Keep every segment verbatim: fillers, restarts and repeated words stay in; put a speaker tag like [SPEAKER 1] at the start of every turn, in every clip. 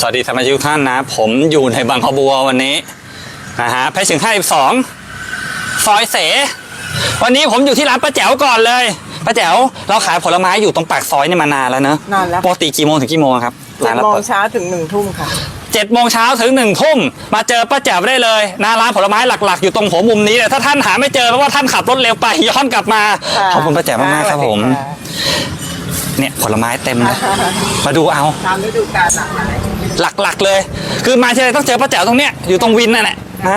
[SPEAKER 1] สวัสดีสมาชิกทุกท่านนะผมอยู่ในบางขบัววันนี้นะฮะเพชรถึงห้าสิบสองซอยเสวันนี้ผมอยู่ที่ร้านป้าแจ๋วก่อนเลยป้าแจ๋วเราขายผลไม้อยู่ตรงปากซอยนี่มานานแล้วเนอะ
[SPEAKER 2] นานแล้ว
[SPEAKER 1] ปกติกี่โมงถึงกี่โมงครับ
[SPEAKER 2] เจ็ดโมงเช้าถึงหนึ่งทุ่มค่ะ
[SPEAKER 1] เจ็ดโมงเช้าถึงหนึ่งทุ่มมาเจอป้าแจ๋วได้เลยหน้าร้านผลไม้หลักๆอยู่ตรงหัวมุมนี้ถ้าท่านหาไม่เจอเพราะว่าท่านขับรถเร็วไปย้อนกลับมาขอบคุณป้าแจ๋วมากๆครับผมเนี่ยผลไม้เต็มเลยมาดูเอา
[SPEAKER 2] ตามฤดูกาล
[SPEAKER 1] หลักๆเลยคือมาที่ไรต้องเจอป้าแจ๋วตรงเนี้ยอยู่ตรงวินนั่นแหละนะ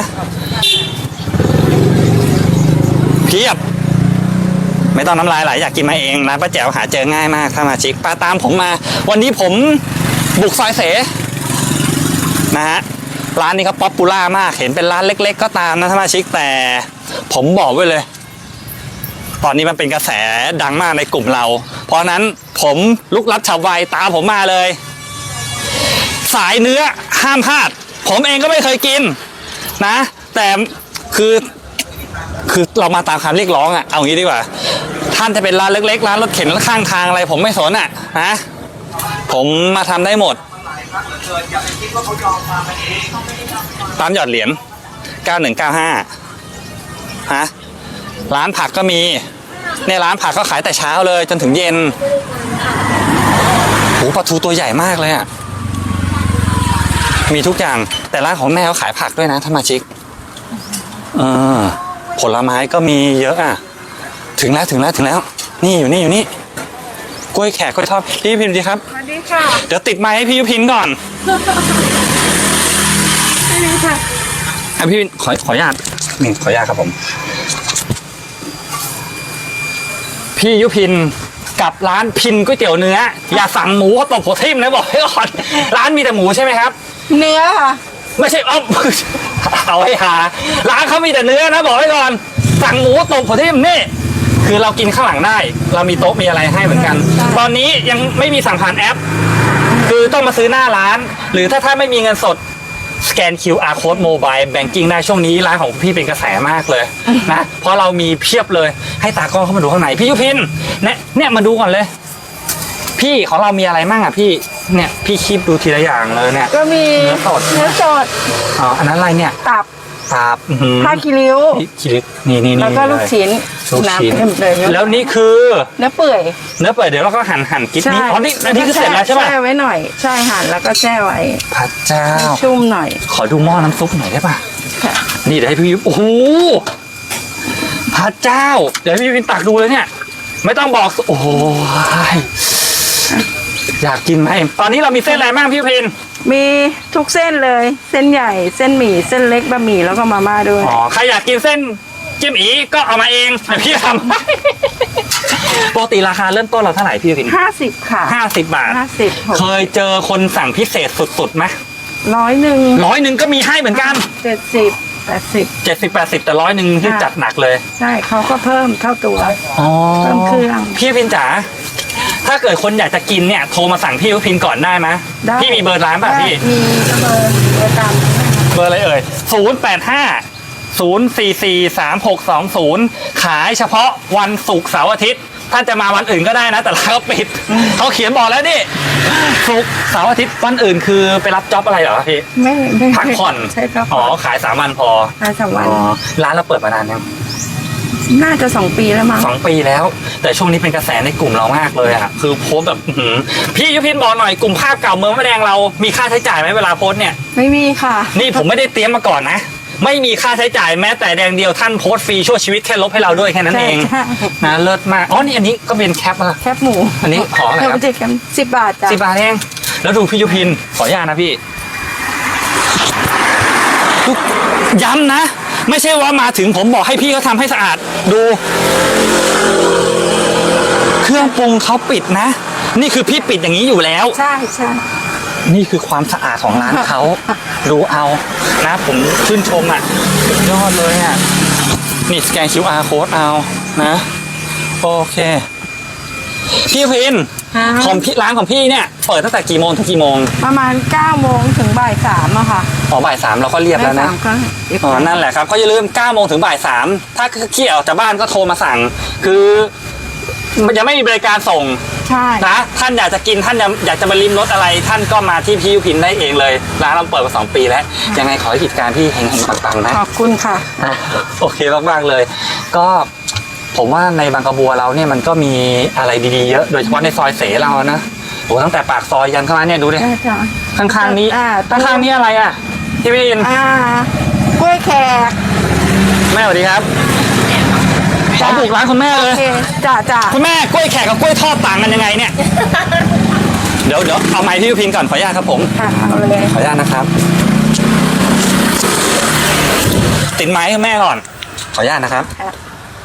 [SPEAKER 1] เพียบไม่ต้องน้ำลายไหลอยากกินมาเองร้านป้าแจ๋วหาเจอง่ายมากถ้ามาชิกป้าตามผมมาวันนี้ผมบุกซอยเสนะฮะร้านนี้เขาป๊อปปูล่ามากเห็นเป็นร้านเล็กๆก็ตามนะถ้ามาชิกแต่ผมบอกไว้เลยตอนนี้มันเป็นกระแสดังมากในกลุ่มเราเพราะนั้นผมลุกลับฉับไวตามผมมาเลยสายเนื้อห้ามพลาดผมเองก็ไม่เคยกินนะแต่คือคือเรามาตามคำเรียกร้องอ่ะเอางี้ดีกว่าท่านจะเป็นร้านเล็กๆร้านรถเข็นข้างทางอะไรผมไม่สนอ่ะนะผมมาทำได้หมดตามหยอดเหรียญเก้าหนึ่งเก้าห้าฮะร้านผักก็มีในร้านผักก็ขายแต่เช้าเลยจนถึงเย็นโอ้ปลาทูตัวใหญ่มากเลยอ่ะมีทุกอย่างแต่ร้านของแม่เขาขายผักด้วยนะท่านมาชิกเออผลไม้ก็มีเยอะอ่ะถึงแล้วถึงแล้วถึงแล้วนี่อยู่นี่อยู่นี่กล้วยแขกกล้วยทอดพี่ยุพินดีครับ
[SPEAKER 2] สวัสดีค่ะ
[SPEAKER 1] เดี๋ยวติดไมค์ให้พี่ยุพินก่อน
[SPEAKER 2] สวัสดีค่ะ
[SPEAKER 1] พี่ยุพินขอขออนุญาตนี่ขออนุญาตครับผมพี่ยุพินกับร้านพินก๋วยเตี๋ยวเนื้ออย่าสั่งหมูเขาตบหัวทิ่มนะบอกให้ก่อนร้านมีแต่หมูใช่ไหมครับ
[SPEAKER 2] เนื้อค่ะ
[SPEAKER 1] ไม่ใช่เอาเอาให้หาร้านเขามีแต่เนื้อนะบอกให้ก่อนสั่งหมูตบหัวทิ่มนี่คือเรากินข้างหลังได้เรามีโต๊ะมีอะไรให้เหมือนกันตอนนี้ยังไม่มีสั่งผ่านแอปคือต้องมาซื้อหน้าร้านหรือถ้าท่านไม่มีเงินสดสแกน คิว อาร์ Code Mobile Banking ได้ช่วงนี้ร้านของพี่เป็นกระแสมากเลยนะเพราะเรามีเพียบเลยให้ตากล้องเข้ามาดูข้างในพี่ยุพินเนี่ยเนี่ยมาดูก่อนเลยพี่ของเรามีอะไรมั่งอ่ะพี่เนี่ยพี่คีบดูทีละอย่างเลยเนี่ย
[SPEAKER 2] ก็มี
[SPEAKER 1] เนื้อสด
[SPEAKER 2] เนื้อสด
[SPEAKER 1] อ๋ออันนั้นอะไรเนี่ย
[SPEAKER 2] ตับ
[SPEAKER 1] ตับ
[SPEAKER 2] ผ้าคีริ้ว
[SPEAKER 1] คีริ้วนี่นี่
[SPEAKER 2] แล้วก็ลูกชิ้น
[SPEAKER 1] ลูกชิ้นแล้วนี่คือ
[SPEAKER 2] เนื้อเปื่อย
[SPEAKER 1] เนื้อเปื่อยเดี๋ยวเราก็หั่นหั่นกิ๊บนี้อ๋อนี่อันนี้คือเสร็จแล้วใช่ไหม
[SPEAKER 2] แช่ไว้หน่อยใช่หั่นแล้วก็แช่ไว้
[SPEAKER 1] พระเจ้า
[SPEAKER 2] ชุ่มหน่อย
[SPEAKER 1] ขอดูหม้อน้ำซุปหน่อยได้ป่ะนี่เดี๋ยวให้พี่ยุโอ้โหพระเจ้าเดี๋ยวพี่วินตักดูเลยเนี่ยไม่ต้องบอกโอ้ยอยากกินไหมตอนนี้เรามีเส้นอะไรบ้างพี่พิน
[SPEAKER 2] มีทุกเส้นเลยเส้นใหญ่เส้นหมี่เส้นเล็กบะหมี่แล้วก็มาม่าด้วย
[SPEAKER 1] อ๋อใครอยากกินเส้นจิ้มอีก็เอามาเองพี่ทำปกติราคาเริ่มต้นเราเท่าไหร่พี่พิน
[SPEAKER 2] ห้าสิบค่ะ
[SPEAKER 1] ห้าสิบบาท
[SPEAKER 2] ห้าสิบ
[SPEAKER 1] เคยเจอคนสั่งพิเศษสุดๆไหม
[SPEAKER 2] ร้อยหนึ่ง
[SPEAKER 1] ร้อยหนึ่งก็มีให้เหมือนกัน
[SPEAKER 2] เจ็ดสิบแปดสิบ
[SPEAKER 1] เจ็ดสิบแปดสิบแต่ร้อยหนึ่งที่จัดหนักเลย
[SPEAKER 2] ใช่เขาก็เพิ่มเท่าตัว
[SPEAKER 1] อ๋อ
[SPEAKER 2] เพิ่มเครื่อง
[SPEAKER 1] พี่พินจ๋าถ้าเกิดคนอยากจะกินเนี่ยโทรมาสั่งพี่ยุพินก่อนได้ไหมพี่มีเบอร์ร้านป่ะพี่
[SPEAKER 2] มีเบอร์เบอร์ตาม
[SPEAKER 1] เบอร์อะไรเอ่ยศูนย์แปดห้าศูนย์สี่สี่สามหกสองศูนย์ขายเฉพาะวันศุกร์เสาร์อาทิตย์ท่านจะมาวันอื่นก็ได้นะแต่ร้านเขาปิดเขาเขียนบอกแล้วนี่ศุกร์เสาร์อาทิตย์วันอื่นคือไปรับจ็อบอะไรเหรอพี่
[SPEAKER 2] ไม่ไม่
[SPEAKER 1] พักผ่อน
[SPEAKER 2] ใช่ครับ
[SPEAKER 1] อ๋อขายสามวันพอ
[SPEAKER 2] ขายสามวัน
[SPEAKER 1] ร้านเราเปิดมานานยัง
[SPEAKER 2] น่าจะสองปีแล้วมั้ง
[SPEAKER 1] สองปีแล้วแต่ช่วงนี้เป็นกระแสในกลุ่มเรามากเลยอ่ะคือโพสแบบพี่ยุพินบอกหน่อยกลุ่มภาพเก่าเมืองมะแดงเรามีค่าใช้จ่ายไหมเวลาโพสเนี่ย
[SPEAKER 2] ไม่มีค่ะ
[SPEAKER 1] นี่ผมไม่ได้เตรียมมาก่อนนะไม่มีค่าใช้จ่ายแม้แต่แดงเดียวท่านโพสฟรีชั่วชีวิตแค่ลบให้เราด้วยแค่นั้นเองนะเลิศมากอ๋อนี่อันนี้ก็เป็นแคปนะ
[SPEAKER 2] แคปหมู
[SPEAKER 1] อันนี้ขออะไรครับ
[SPEAKER 2] สิบบาทจ้ะ
[SPEAKER 1] สิบบาทเองแล้วดูพี่ยุพินขออนุญาตนะพี่ย้ำนะไม่ใช่ว่ามาถึงผมบอกให้พี่เขาทำให้สะอาดดูเครื่องปรุงเขาปิดนะนี่คือพี่ปิดอย่างนี้อยู่แล้ว
[SPEAKER 2] ใช่ใช่
[SPEAKER 1] นี่คือความสะอาดของร้านเขาดูเอานะผมชื่นชมอ่ะสุดยอดเลยอ่ะนี่สแกน คิว อาร์ Code เอานะโอเคพี่พินของพี่ร้านของพี่เนี่ยเปิดตั้งแต่กี่โมงถึงกี่โมง
[SPEAKER 2] ประมาณเก้าโมงถึงบ่ายสามอะค่ะ
[SPEAKER 1] อ๋อบ่ายสามเราก็เรียบแล้วนะอ๋อนั่นแหละครับเขาอย่าลืมเก้าโมงถึงบ่ายสามถ้าขี้ออกจากบ้านก็โทรมาสั่งคือมันยังไม่มีบริการส่ง
[SPEAKER 2] ใช่
[SPEAKER 1] นะท่านอยากจะกินท่านอยากจะมาลิ้มรสอะไร ท่านก็มาที่พี่ยุพินได้เองเลยร้านเราเปิดมาสองปีแล้วยังไงขอให้กิจการที่เฮงๆปังๆนะ
[SPEAKER 2] ขอบคุณค่ะ
[SPEAKER 1] อ่ะโอเคมากๆเลย ก็ผมว่าในบางกระบัวเราเนี่ยมันก็มีอะไรดีๆเยอะโดยเฉพาะในซอยเสเรานะโอ้ตั้งแต่ปากซอยยันเข้ามาเนี่ยดูดิ
[SPEAKER 2] ใช่จ้ะ
[SPEAKER 1] ข้างๆนี้
[SPEAKER 2] อ่า
[SPEAKER 1] ข้างๆนี้อะไรอ่ะพี่วิน
[SPEAKER 2] อ่ากล้วยแขก
[SPEAKER 1] แม่สวัสดีครับขอบุกร้านคุณแม่เล
[SPEAKER 2] โอย เคจ้ะจ้ะ
[SPEAKER 1] คุณแม่กล้วยแขกกับกล้วยทอดต่างกันยังไงเนี่ย เดี๋ยวเดี๋ยวเอาไม้พี่ยุพินก่อนขออนุญาตครับผม
[SPEAKER 2] ค่ะเอาเลย
[SPEAKER 1] ขออนุญาตนะครับ ติดไม้ให้แม่ก่อน ขออนุญาตนะครับ
[SPEAKER 2] ค่ะ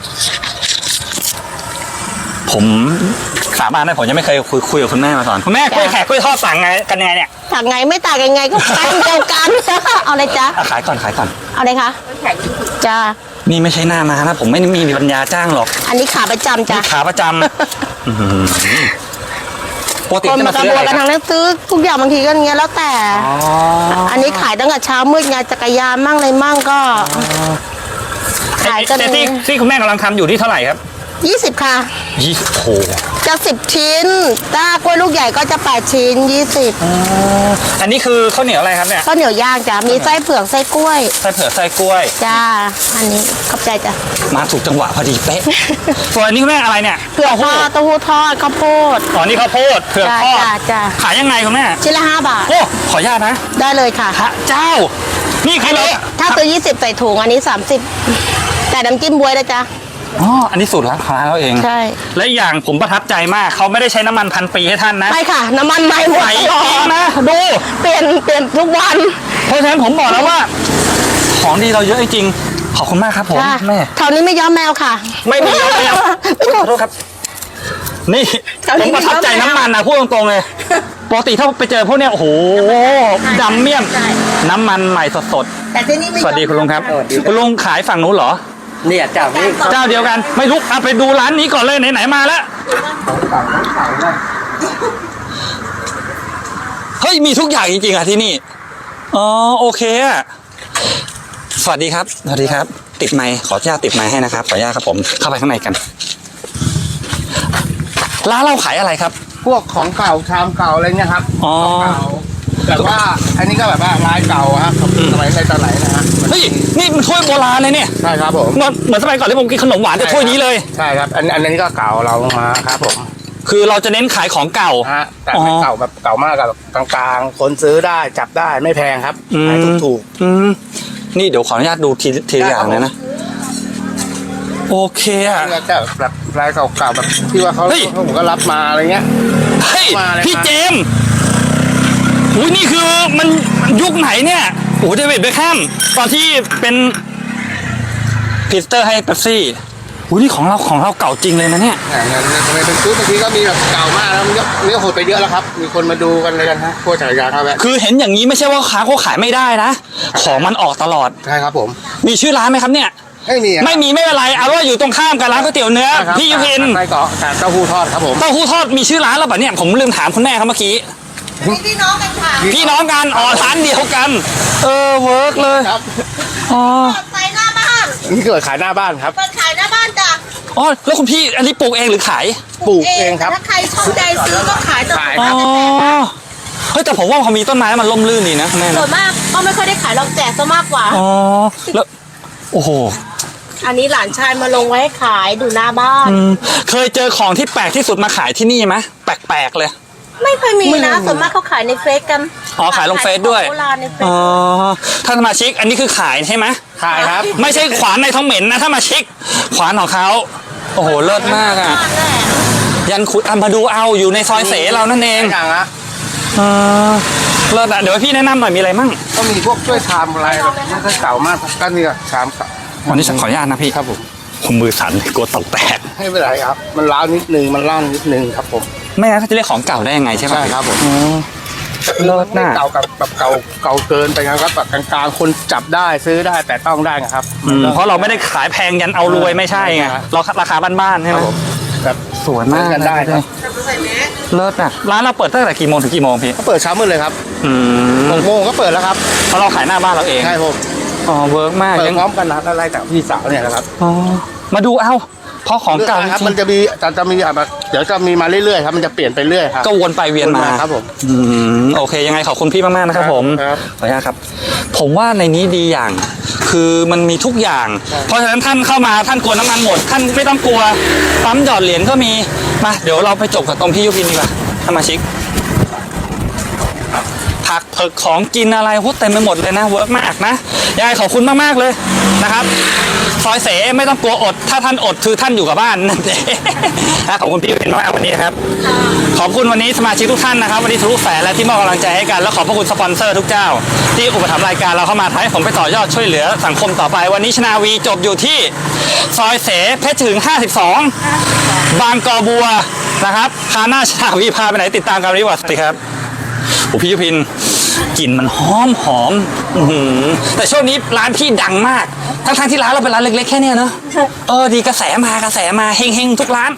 [SPEAKER 1] ผมสาบานได้ผมยังไม่เคยคุยคุยกับคุณแม่มาก่อนคุณแม่กล้วยแขกกล้วยทอดต่างไงกันยังไงเนี่ย
[SPEAKER 3] ต่างไงไม่ต่างยังไงก็แป้งเดียวกัน เอาเลยจ้ะ
[SPEAKER 1] อ่ะขายก่อนขายก่อน
[SPEAKER 3] เอาเลยคะจ้า
[SPEAKER 1] นี่ไม่ใช่หน้ามานะผมไม่มีปัญญาจ้างหรอก
[SPEAKER 3] อันนี้ขาประจำจ้ะ
[SPEAKER 1] นี่ขาประจำ อื้อหือปกติ
[SPEAKER 3] คน
[SPEAKER 1] จะ
[SPEAKER 3] มา
[SPEAKER 1] มาก
[SPEAKER 3] ระ
[SPEAKER 1] ซื้อบ
[SPEAKER 3] ว
[SPEAKER 1] อะไร
[SPEAKER 3] นกัน
[SPEAKER 1] ค
[SPEAKER 3] ทา
[SPEAKER 1] รับ
[SPEAKER 3] งนั้นซื้อทุกอย่างบางทีก็อย่างเงี้ยแล้วแต่
[SPEAKER 1] อ๋อ
[SPEAKER 3] อันนี้ขายตั้งแต่เช้ามืดไงจักรยานมั่งอะไรมั่งก็ ขายกัน
[SPEAKER 1] แต่ที่ที่คุณแม่กำลังทำอยู่ที่เท่าไหร่ครับ
[SPEAKER 3] ยี่สิบค่ะ
[SPEAKER 1] ยี่สิบโอ้โห
[SPEAKER 3] จะสิบชิ้น ถ้ากล้วยลูกใหญ่ก็จะแปดชิ้นยี่สิบ
[SPEAKER 1] อันนี้คือข้าวเหนียวอะไรครับเนี่ย
[SPEAKER 3] ข้าวเหนียวย่างจ้ะมีไส้เผือกไส้กล้วย
[SPEAKER 1] ไส้เผือกไส้กล้วย
[SPEAKER 3] จ้าอันนี้ขอบใจจ้ะ
[SPEAKER 1] มาถูกจังหวะพอดีเป๊ะ ส่วนอันนี้คุณแม่อะไรเนี่ย
[SPEAKER 3] เผือกทอดเต้าหู้ทอดข้าวโพด
[SPEAKER 1] อ๋อนี่ข้าวโพดเผือก
[SPEAKER 3] จ้า
[SPEAKER 1] ทอด
[SPEAKER 3] จ้าจ้า
[SPEAKER 1] ขายยังไงคุณแม่
[SPEAKER 3] ชิ้นละห้าบาท
[SPEAKER 1] โอ้ขออนุญาตนะ
[SPEAKER 3] ได้เลยค่ะ
[SPEAKER 1] พระเจ้า นี่คือเรา
[SPEAKER 3] ถ้าซื้อยี่สิบใส่ถุงอันนี้สามสิบแต่น้ำจิ้มบวยนะจ๊ะ
[SPEAKER 1] อ๋ออันนี้สูตรร้านค้าเราเอง
[SPEAKER 3] ใช่
[SPEAKER 1] และอีกอย่างผมประทับใจมากเขาไม่ได้ใช้น้ำมันพันปีให้ท่านนะ
[SPEAKER 3] ไม่ค่ะ น้ำมันใหม่หมด
[SPEAKER 1] ใส่
[SPEAKER 3] ตลอ
[SPEAKER 1] เอง
[SPEAKER 3] ด
[SPEAKER 1] นะดู
[SPEAKER 3] เปลี่ยนเปลี่ยนทุกวัน
[SPEAKER 1] เพราะฉะนั้นผมบอกแล้วว่า ของดีเราเยอะจริงๆขอบคุณมากครับผม
[SPEAKER 3] จ้ะ
[SPEAKER 1] แม่
[SPEAKER 3] แถวนี้ไม่ย้อมแมวค่ะ
[SPEAKER 1] ไม่มียอมแมว ขอโทษครับ นี่
[SPEAKER 3] แถวนี้
[SPEAKER 1] ผมประทับใจ
[SPEAKER 3] มียอมแมว
[SPEAKER 1] น้ำมันนะพูดตรงๆเลยปกติถ้าไปเจอพวกเนี้ยโอ้โหดำเมี่ยม
[SPEAKER 3] ใช่
[SPEAKER 1] น้ำมันใหม่สด
[SPEAKER 3] แต่ที่นี่ไม่
[SPEAKER 1] ๆสวัสดีคุณลุงครับ
[SPEAKER 4] สวัสดีครับ
[SPEAKER 1] คุณลุงขายฝั่งนู้นเหรอ
[SPEAKER 4] เนี่ยเจ้านี้
[SPEAKER 1] เจ้าเดียวกันไม่รู้เอาไปดูร้านนี้ก่อนเลยไหนๆมาแล้วเฮ้ยมีทุกอย่างจริงๆอ่ะที่นี่อ๋อโอเคอะสวัสดีครับสวัสดีครับ ติดไมค์ขออนุญาตติดไมค์ให้นะครับขออนุญาตครับผมเข้าไปข้างในกันร้านเราขายอะไรครับ
[SPEAKER 4] พวกของเก่าชามเก่าอะไรเงี้ยครับ
[SPEAKER 1] อ๋อ
[SPEAKER 4] เก่าแบบว่าอันนี้ก็แบบว่าลายเก่าอะครับสมัยในตอนไหนนะฮะ
[SPEAKER 1] เฮ้ยนี่มันถ้วยโบราณเลยเนี่ย
[SPEAKER 4] ใช่ครับผม
[SPEAKER 1] เหมือนเหมือนสมัยก่อนที่ผมกินขนมหวานแต่ถ้วยนี้เลย
[SPEAKER 4] ใช่ครับอันอันนี้ก็เก่าเรามาครับผม
[SPEAKER 1] คือเราจะเน้นขายของเก่า
[SPEAKER 4] ฮะแต่
[SPEAKER 1] อ๋อ
[SPEAKER 4] ไม่เก่าแบบเก่ามากกับกลางๆ คนซื้อได้จับได้ไม่แพงครับขายถูก
[SPEAKER 1] อืมนี่เดี๋ยวขออนุญาตดูทีทีละอย่างเลยนะโอเค
[SPEAKER 4] ๆ
[SPEAKER 1] อะ
[SPEAKER 4] นี่ก็แบบลายเก่าๆแบบที่ว่าเขา
[SPEAKER 1] เฮ้ย
[SPEAKER 4] เขาผมก็รับมาอะไรเงี้ย
[SPEAKER 1] เฮ้ย
[SPEAKER 4] มาเลย
[SPEAKER 1] พี่
[SPEAKER 4] ครับ
[SPEAKER 1] เจมส์อุ้ยนี่คือมันยุคไหนเนี่ยโอ้เดวิดเบคแฮมตอนที่เป็นพรีเซนเตอร์ให้เป๊ปซี่อุ้ยนี่ของเราของเราเก่าจริงเลยนะเนี่ย
[SPEAKER 4] อ่างั้นทำไมเป็นชุดบางทีก็มีแบบเก่ามากแล้วมันก็มันก็หดไปเยอะแล้วครับ มีคนมาดูกันเลยกันฮะพวกจักรยานครับแวะ
[SPEAKER 1] คือเห็นอย่างนี้ไม่ใช่ว่าค้าเขาขายไม่ได้นะของมันออกตลอด
[SPEAKER 4] ใช่ครับผม
[SPEAKER 1] มีชื่อร้านไหมครับเนี่ย
[SPEAKER 4] ไม่มีอะ
[SPEAKER 1] ไม่มีไม่เป็นไรเอาว่าอยู่ตรงข้ามกับร้านก๋วยเตี๋ยวเนื้อ
[SPEAKER 4] ใช่ครับ
[SPEAKER 1] พี่ยุพิน
[SPEAKER 4] ไส้กรอกแต่เต้าหู้ทอดครับผม
[SPEAKER 1] เต้าหู้ทอดมีชื่อร้านแล้วป่ะเนี่ยผมลืมถามคุณแม่ครับเมื่อกี้
[SPEAKER 3] พี่น้องกันค่ะ
[SPEAKER 1] พี่น้องกันอ๋อร้านเดียวกัน เออเวิร์กเลย
[SPEAKER 4] ครับ
[SPEAKER 1] อ๋อ
[SPEAKER 3] ใส่หน้าบ้าน
[SPEAKER 4] นี่เกิดขายหน้าบ้านครับ
[SPEAKER 3] เปิดขายหน้าบ้านจ้ะ
[SPEAKER 1] อ๋อแล้วคุณพี่อันนี้ปลูกเองหรือขาย
[SPEAKER 4] ปลูกเองครับ
[SPEAKER 3] ถ้าใครชอบใจซื้อก็ขายต่อ
[SPEAKER 4] ขาย
[SPEAKER 1] อ๋
[SPEAKER 4] ค
[SPEAKER 1] อ
[SPEAKER 4] รับ
[SPEAKER 1] เฮ้ยแต่ผมว่าพอมีต้นไม้แล้วมันร่มรื่นดีนะแม่
[SPEAKER 3] ส่ว
[SPEAKER 1] นะ
[SPEAKER 3] นมากก็ไม่ค่อยได้ขายหรอกแจกซะมากกว่า
[SPEAKER 1] อ๋อแล้วโอ้โห
[SPEAKER 3] อันนี้หลานชายมาลงไว้ให้ขายดูหน้าบ้าน
[SPEAKER 1] อืมเคยเจอของที่แปลกที่สุดมาขายที่นี่ไหมแปลกๆเลย
[SPEAKER 3] ไม่เคยมีนะ ส่วนมากเขาขายในเฟซกัน
[SPEAKER 1] อ๋อขายลงเฟซด้วย
[SPEAKER 3] โบราณในเฟซ
[SPEAKER 1] อ๋อท่านสมาชิกอันนี้คือขายใช่ไหม
[SPEAKER 4] ขายครับ
[SPEAKER 1] ไม่ใช่ขวานในท้องเหม็นนะถ้ามาชิกขวานของเขาโอ้โหเลิศมากอ่ะ ยันขุดอ่ะมาดูเอาอยู่ในซอยเสเรานั่นเอง
[SPEAKER 4] อย่างละ
[SPEAKER 1] อ่าเลิศอ่ะเดี๋ยวให้พี่แนะนำหน่อยมีอะไรมั่ง
[SPEAKER 4] ก็มีพวกช่วยชามอะไรแบบนี้ก็เก่ามากก็นี่ก็ชามเก่า
[SPEAKER 1] วันนี้ฉันขออนุญาตนะพี่
[SPEAKER 4] ครับผม
[SPEAKER 1] ผมมือสั่นกลัวตกแตก
[SPEAKER 4] ไม่เป็นไรครับ มันล้าวนิดนึงมันล่างนิดนึงครับผม
[SPEAKER 1] ไม่งั้นเขาจะเรียกของเก่าได้ยังไงใช่ไหม
[SPEAKER 4] ใช่ครับผม
[SPEAKER 1] อ๋อ เลิศ
[SPEAKER 4] ไม่
[SPEAKER 1] น่ะ
[SPEAKER 4] เก่ากับแบบเก่าเก่าเกินไปครับแบบกลางๆคนจับได้ซื้อได้แต่ต้องได้นะครับ
[SPEAKER 1] อืมเพราะเราไม่ได้ขายแพงยันเอารวยไม่ใช่ไง
[SPEAKER 4] ครับ
[SPEAKER 1] เราราคาบ้านๆใช่
[SPEAKER 4] ค
[SPEAKER 1] ไห
[SPEAKER 4] รั
[SPEAKER 1] ม
[SPEAKER 4] บผมแบบ
[SPEAKER 1] สวยมาก
[SPEAKER 4] กันได้ครับ
[SPEAKER 1] เลิศอ่ะร้านเราเปิดตั้งแต่กี่โมงถึงกี่โมงพี่
[SPEAKER 4] ก็เปิดเช้ามืดเลยครับ
[SPEAKER 1] อืม
[SPEAKER 4] หกโมงก็เปิดแล้วครับ
[SPEAKER 1] เพราะเราขายหน้าบ้านเราเอง
[SPEAKER 4] ใช่ผม
[SPEAKER 1] อ๋อเวิร์กมาก
[SPEAKER 4] เปิด
[SPEAKER 1] ยัง
[SPEAKER 4] พร้อมกันนะไล่จากพี่สาวเนี่ยนะครับ
[SPEAKER 1] อ๋อมาดูเอาเพราะของเก่า
[SPEAKER 4] รื่ยๆครับ
[SPEAKER 1] จริงๆ
[SPEAKER 4] มันจะมีจะจะมีแบบเดี๋ยวจะมีมาเรื่อยๆครับมันจะเปลี่ยนไปเรื่อยครับ
[SPEAKER 1] ก็วนไปเวียนมา
[SPEAKER 4] วนมาครับผม
[SPEAKER 1] อืมโอเค ยังไงขอบคุณพี่มากๆนะครับผม
[SPEAKER 4] ครับ
[SPEAKER 1] ขออนุญาตครับ ผมว่าในนี้ดีอย่าง คือมันมีทุกอย่าง เพราะฉะนั้นท่านเข้ามาท่านกลัวน้ำมันหมด ท่านไม่ต้องกลัวปั๊มหยอดเหรียญก็มีมาเดี๋ยวเราไปจบกับตรงพี่ยุพินดีกว่าสมาชิกผักเผือกของกินอะไรโหเต็มไปหมดเลยนะเวิร์กมากนะยังไงขอบคุณมากๆเลยนะครับซอยเสไม่ต้องกลัวอด ถ้าท่านอดคือท่านอยู่กับบ้านนั่นเองนะขอบคุณพี่เป็นมากวันนี้นะครับขอบคุณวันนี้สมาชิกทุกท่านนะครับวันนี้ทะลุแสนและที่มอบกำลังใจให้กันและขอบพระคุณสปอนเซอร์ทุกเจ้า ที่อุปถัมภ์รายการเราเข้ามาทำให้ผมไปต่อยอดช่วยเหลือสังคมต่อไปวันนี้ชนาวีจบอยู่ที่ซอยเสเพชรถึงห้าสิบสองบางกอบัวนะครับคาหน้าชนาวีพาไปไหนติดตามกันดีกว่าสวัสดีครับโอ้พี่ยุพินกลิ่นมันหอมหอมอื้อหือแต่ช่วงนี้ร้านพี่ดังมาก ทั้งๆที่ร้านเราเป็นร้านเล็กๆแค่เนี้ยเนอะเออดีกระแสมากระแสมาเฮงๆทุกร้าน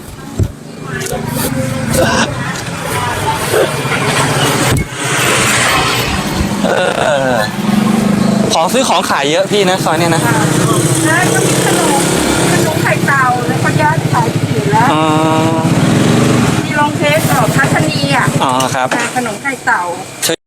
[SPEAKER 1] เออของซื้อของขายเยอะพี่นะซอยเนี้ยนะ
[SPEAKER 2] แล้วก็มีขนมขนมไข่เต่าแล้วก็ย่างขายผีแล้ว
[SPEAKER 1] อ๋อ
[SPEAKER 2] มีลองเทสของทัศนีอ่ะ
[SPEAKER 1] อ๋อครับ
[SPEAKER 2] ขนมไข่เต่า